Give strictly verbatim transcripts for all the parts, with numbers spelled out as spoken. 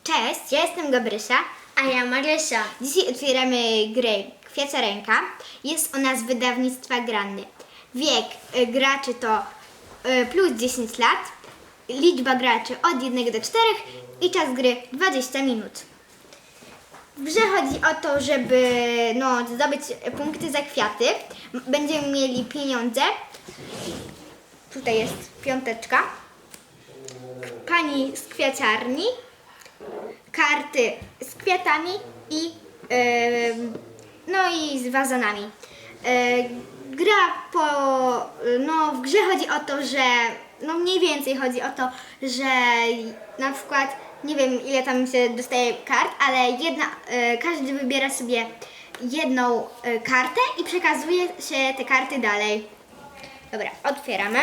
Cześć, ja jestem Gabrysia. A ja Marysia. Dzisiaj otwieramy grę Kwiaciarenka. Jest ona z wydawnictwa Grandy. Wiek y, graczy to y, plus dziesięć lat, liczba graczy od jednego do czterech i czas gry dwadzieścia minut. W grze chodzi o to, żeby no, zdobyć punkty za kwiaty. M- Będziemy mieli pieniądze. Tutaj jest piąteczka. Pani z kwiaciarni, karty z kwiatami i em, no i z wazonami. E, gra po, no w grze chodzi o to, że no mniej więcej chodzi o to, że na przykład nie wiem ile tam się dostaje kart, ale jedna, e, każdy wybiera sobie jedną e, kartę i przekazuje się te karty dalej. Dobra, otwieramy.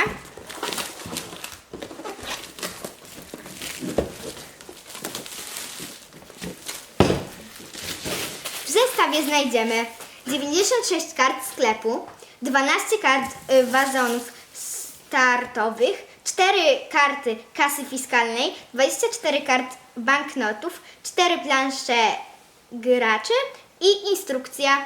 W zestawie znajdziemy dziewięćdziesiąt sześć kart sklepu, dwanaście kart y, wazonów startowych, cztery karty kasy fiskalnej, dwadzieścia cztery kart banknotów, cztery plansze graczy i instrukcja.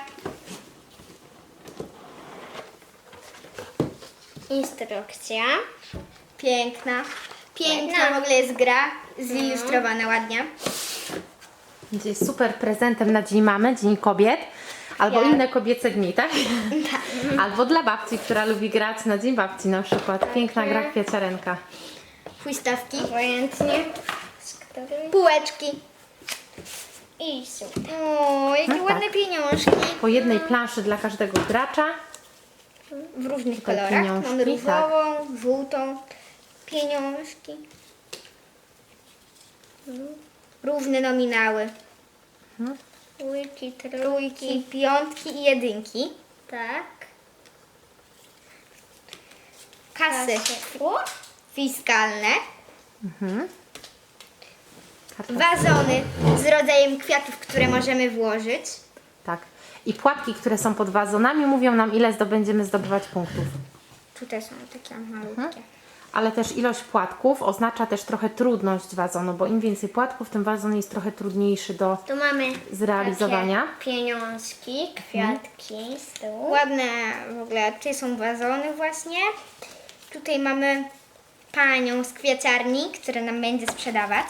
Instrukcja. Piękna. Piękna Ładna. w ogóle jest gra, zilustrowana ładnie. Będzie super prezentem na Dzień Mamy, Dzień Kobiet, albo Ja. inne kobiece dni, tak? Albo dla babci, która lubi grać na Dzień Babci na przykład. Piękna gra Kwiaciarenka. Huśtawki, Obojętnie. Z której? półeczki. I super. O, jakie No tak. ładne pieniążki. Po jednej planszy dla każdego gracza. W różnych Tutaj kolorach. pieniążki, Mamy różową, żółtą, pieniążki. Równe nominały. Trójki, Trójki, piątki i jedynki. Tak. Kasy O, fiskalne. Karta. Wazony z rodzajem kwiatów, które możemy włożyć. Tak. I płatki, które są pod wazonami, mówią nam, ile zdobędziemy zdobywać punktów. Tutaj są takie malutkie. Ale też ilość płatków oznacza też trochę trudność wazonu, bo im więcej płatków, tym wazon jest trochę trudniejszy do tu mamy zrealizowania. takie pieniążki, kwiatki z tyłu. Ładne w ogóle. Tutaj są wazony właśnie. Tutaj mamy panią z kwiaciarni, która nam będzie sprzedawać.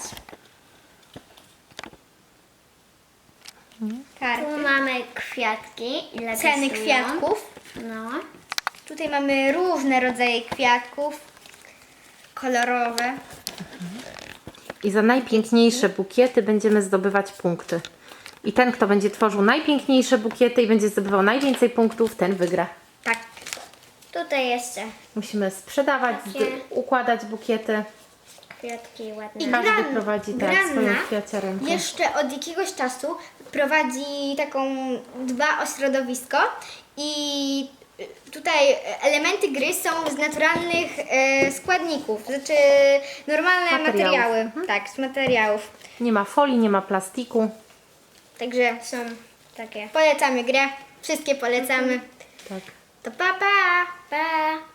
Karty. Tu mamy kwiatki. Ile Ceny kosztują. kwiatków. No. Tutaj mamy różne rodzaje kwiatków. Kolorowe. I za najpiękniejsze bukiety będziemy zdobywać punkty. I ten, kto będzie tworzył najpiękniejsze bukiety i będzie zdobywał najwięcej punktów, ten wygra. Tak. Tutaj jeszcze Musimy sprzedawać, Takie. zd- układać bukiety. kwiatki ładne. I Każdy Gran- prowadzi tak, Granna swoją kwiaciarenkę. jeszcze od jakiegoś czasu prowadzi taką dba o środowisko i tutaj elementy gry są z naturalnych e, składników, znaczy normalne Materiałów. materiały. Mhm. Tak, z materiałów. Nie ma folii, nie ma plastiku. Także Są takie. polecamy grę, wszystkie polecamy. Tak. To pa pa! Pa!